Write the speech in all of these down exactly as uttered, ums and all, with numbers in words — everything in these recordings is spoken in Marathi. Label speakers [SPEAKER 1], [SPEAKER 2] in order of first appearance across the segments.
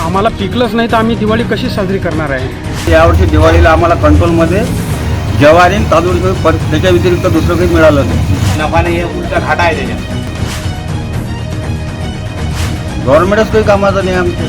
[SPEAKER 1] आम्हाला पिकलंच नाही तर आम्ही दिवाळी कशी साजरी करणार आहे?
[SPEAKER 2] यावर्षी दिवाळीला आम्हाला कंट्रोलमध्ये ज्वारी आणि तांदूळ पर त्याच्या व्यतिरिक्त दुसरं काही मिळालं नाही.
[SPEAKER 3] नफा नाही आहे, उलटा घाटा आहे त्याच्यात.
[SPEAKER 2] गव्हर्नमेंटच काही कामाचं नाही आमचं.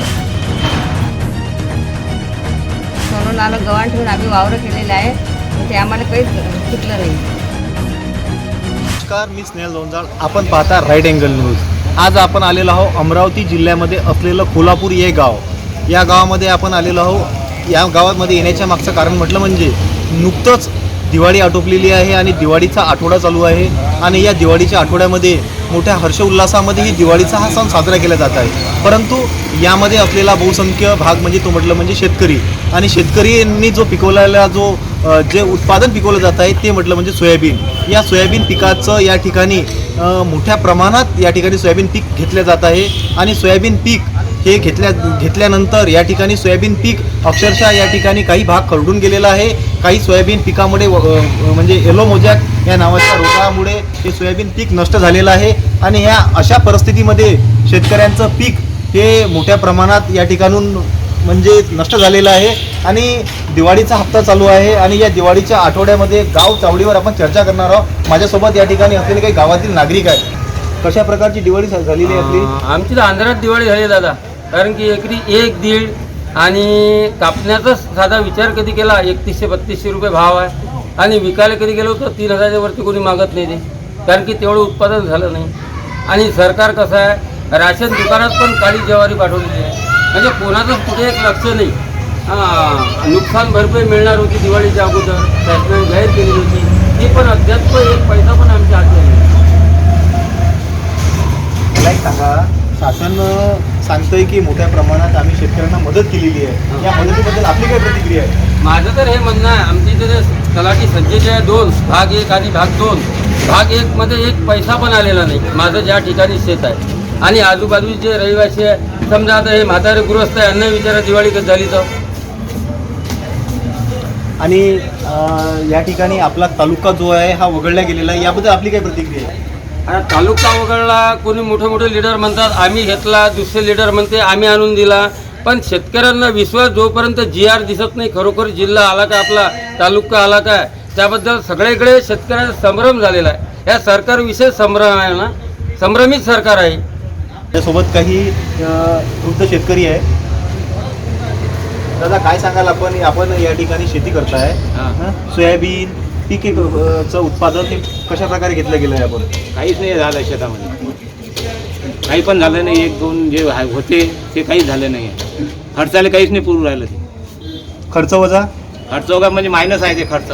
[SPEAKER 4] म्हणून आलं गव्हाण ठेवून आम्ही वावरं केलेलं आहे, पण ते आम्हाला काहीच पिकलं नाही.
[SPEAKER 5] नमस्कार, मी स्नेहल लोंजाळ. आपण पाहता राईट अँगल न्यूज. आज आपण आलेलो आहोत अमरावती जिल्ह्यामध्ये असलेलं कोल्हापूर हे गाव. या गावामध्ये आपण आलेलो आहोत. या गावामध्ये येण्याच्या मागचं कारण म्हटलं म्हणजे नुकतंच दिवाळी आटोपलेली आहे आणि दिवाळीचा आठवडा चालू आहे आणि या दिवाळीच्या आठवड्यामध्ये मोठ्या हर्षोल्लासामध्ये ही दिवाळीचा हा सण साजरा केला जात आहे. परंतु यामध्ये असलेला बहुसंख्य भाग म्हणजे तो म्हटलं म्हणजे शेतकरी. आणि शेतकऱ्यांनी जो पिकवलेला जो जे उत्पादन पिकवलं जात आहे ते म्हटलं म्हणजे सोयाबीन. या सोयाबीन पिकाचं या ठिकाणी मोठ्या प्रमाणात या ठिकाणी सोयाबीन पीक घेतलं जात आहे आणि सोयाबीन पीक हे घेतल्या घेतल्यानंतर या ठिकाणी सोयाबीन पीक अक्षरशः या ठिकाणी काही भाग खरडून गेलेला आहे. काही सोयाबीन पिकामुळे म्हणजे येलो मोजॅक या नावाच्या रोगामुळे हे सोयाबीन पीक नष्ट झालेलं आहे आणि ह्या अशा परिस्थितीमध्ये शेतकऱ्यांचं पीक हे मोठ्या प्रमाणात या ठिकाणून म्हणजे नष्ट झालेलं आहे. आणि दिवाळीचा हप्ता चालू आहे आणि या दिवाळीच्या आठवड्यामध्ये गाव चावडीवर आपण चर्चा करणार आहोत. माझ्यासोबत या ठिकाणी असलेले काही गावातील नागरिक आहेत. कशा प्रकारची दिवाळी झालेली आहे आपली?
[SPEAKER 6] आमची तर आंध्रात दिवाळी झाली दादा, कारण की एकरी एक दीड आणि कापण्याचा साधा विचार कधी केला एकतीसशे बत्तीसशे रुपये भाव आहे आणि विकायला कधी गेलो तर तीन हजारच्या वरती कोणी मागत नाही ते, कारण की तेवढं उत्पादन झालं नाही. आणि सरकार कसं आहे, राशन दुकानात पण काळी ज्वारी पाठवलेली आहे, म्हणजे कोणाचंच कुठे एक लक्ष नाही. हां, नुकसान भरपाई मिळणार होती दिवाळीच्या अगोदर, शासनाने जाहीर केली होती, ती पण अद्याप एक पैसा पण आमच्या हाती नाही.
[SPEAKER 5] मला एक सांगा, शासन सांगतंय की मोठ्या प्रमाणात आम्ही शेतकऱ्यांना मदत केलेली आहे. या मदतीबद्दल आपली काय प्रतिक्रिया आहे?
[SPEAKER 6] माझं तर हे म्हणणं आहे, आमच्या इथे तलाठी सज्जेचे आहे दोन भाग, एक आणि भाग दोन. भाग एकमध्ये एक पैसा पण आलेला नाही. माझं ज्या ठिकाणी शेत आहे आणि आजूबाजूचे रहिवासी आहे, समजा आता हे म्हातारे गृहस्थ आहे, यांना विचारा दिवाळी कधी झाली तर.
[SPEAKER 5] आणि या ठिकाणी आपला तालुका जो आहे हा वगळला गेलेला आहे, याबद्दल आपली काय प्रतिक्रिया आहे?
[SPEAKER 6] आता तालुका वगळला, कोणी मोठे मोठे लीडर म्हणतात आम्ही घेतला, दुसरे लीडर म्हणते आम्ही आणून दिला. पण शेतकऱ्यांना विश्वास जोपर्यंत जी आर दिसत नाही, खरोखर जिल्हा आला का आपला तालुका आला का, त्याबद्दल सगळीकडे शेतकऱ्यांचा संभ्रम झालेला आहे. या सरकारविषयी संभ्रम आहे ना, संभ्रमित सरकार आहे.
[SPEAKER 5] त्यासोबत काही वृद्ध शेतकरी आहे. दादा, काय सांगाल आपण? आपण या ठिकाणी शेती करताय, सोयाबीन पीकचं उत्पादन हे कशा प्रकारे घेतलं गेलं आहे? आपण
[SPEAKER 3] काहीच नाही झालं शेतामध्ये, काही पण झालं नाही. एक दोन जे होते ते काहीच झालं नाही आहे. खर्चाला काहीच नाही पुरू राहिलं. ते
[SPEAKER 5] खर्च वजा
[SPEAKER 3] खर्च वगैरे म्हणजे मायनस आहे ते खर्च,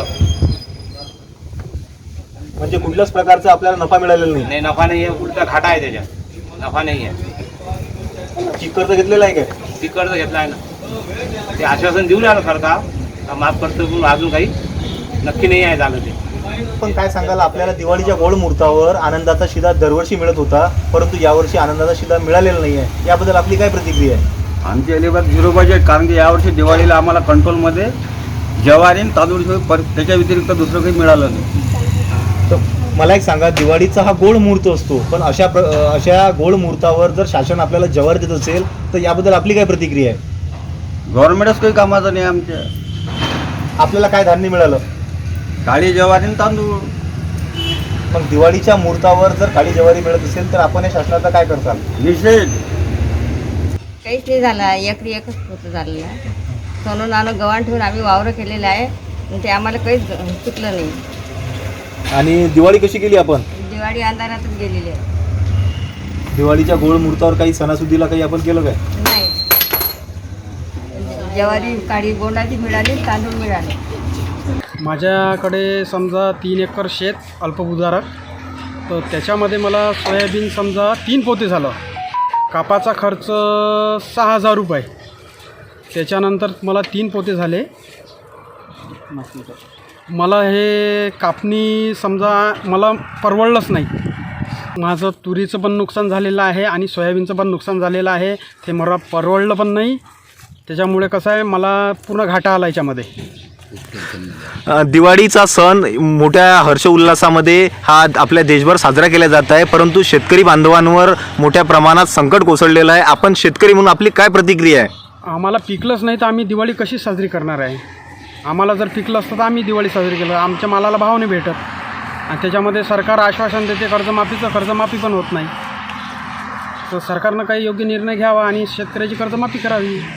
[SPEAKER 5] म्हणजे कुठल्याच प्रकारचा आपल्याला नफा मिळालेला नाही.
[SPEAKER 3] नाही नफा नाही आहे, उलटा घाटा आहे त्याच्यात. नफा नाही आहे.
[SPEAKER 5] पीक कर्ज घेतलेलं आहे काय?
[SPEAKER 3] पीक कर्ज घेतला आहे ना, ते आश्वासन देऊ राहिलं सरकार का माफ करतो, पण अजून काही नक्की नाही आहे झालं ते.
[SPEAKER 5] पण काय सांगाल, आपल्याला दिवाळीच्या गोड मुहूर्तावर आनंदाचा शिदा दरवर्षी मिळत होता, परंतु यावर्षी आनंदाचा शिदा मिळालेला नाही आहे. याबद्दल आपली काय प्रतिक्रिया आहे?
[SPEAKER 2] आमची अलिबाग झिरो बजेट, कारण की यावर्षी दिवाळीला आम्हाला कंट्रोलमध्ये ज्वारी आणि तांदूळ पर त्याच्या व्यतिरिक्त दुसरं काही मिळालं नाही.
[SPEAKER 5] तर मला एक सांगा, दिवाळीचा हा गोड मुहूर्त असतो, पण अशा प्र अशा गोड मुहूर्तावर जर शासन आपल्याला ज्वारी देत असेल तर याबद्दल आपली काय प्रतिक्रिया आहे?
[SPEAKER 2] गव्हर्नमेंटच काही कामाचं नाही आमच्या.
[SPEAKER 5] आपल्याला काय धान्य मिळालं?
[SPEAKER 2] काळी ज्वारी आणि तांदूळ.
[SPEAKER 5] मग दिवाळीच्या मुहूर्तावर जर काळी ज्वारी मिळत असेल तर आपण या शासनाचा काय करताल?
[SPEAKER 2] निषेध.
[SPEAKER 4] काहीच नाही झालं, एकरी एकच होतं झालेलं आहे. म्हणून आलं गव्हाण ठेवून आम्ही वावरं केलेलं आहे, पण ते आम्हाला काहीच पिकलं नाही.
[SPEAKER 5] आणि दिवाळी कशी केली आपण?
[SPEAKER 4] दिवाळी अंधारातच गेलेली आहे.
[SPEAKER 5] दिवाळीच्या गोड मुहूर्तावर काही सणासुदीला काही आपण केलं काय?
[SPEAKER 4] नाही, ज्वारी काळी बोंडाची मिळाली, तांदूळ मिळाले.
[SPEAKER 1] माझ्याकडे समजा तीन एकर शेत अल्पभूधारक, तर त्याच्यामध्ये मला सोयाबीन समजा तीन पोते झालं. कापाचा खर्च सहा हजार रुपये. त्याच्यानंतर मला तीन पोते झाले. मला हे कापणी समजा मला परवडलंच नाही. माझं तुरीचं पण नुकसान झालेलं आहे आणि सोयाबीनचं पण नुकसान झालेलं आहे. ते मला परवडलं पण नाही. त्याच्यामुळे कसं आहे, मला पूर्ण घाटा आला याच्यामध्ये.
[SPEAKER 5] दिवाळीचा सण मोठ्या हर्ष उल्हासामध्ये हा आपल्या देशभर साजरा केला जात आहे, परंतु शेतकरी बांधवांवर मोठ्या प्रमाणात संकट कोसळलेलं आहे. आपण शेतकरी म्हणून आपली काय प्रतिक्रिया आहे?
[SPEAKER 1] आम्हाला पिकलंच नाही तर आम्ही दिवाळी कशी साजरी करणार आहे. आम्हाला जर पिकलं असतं तर आम्ही दिवाळी साजरी केलं. आमच्या मालाला भाव नाही भेटत आणि त्याच्यामध्ये सरकार आश्वासन देते कर्जमाफीचं, कर्जमाफी पण होत नाही. तर सरकारनं काही योग्य निर्णय घ्यावा आणि शेतकऱ्याची कर्जमाफी करावी.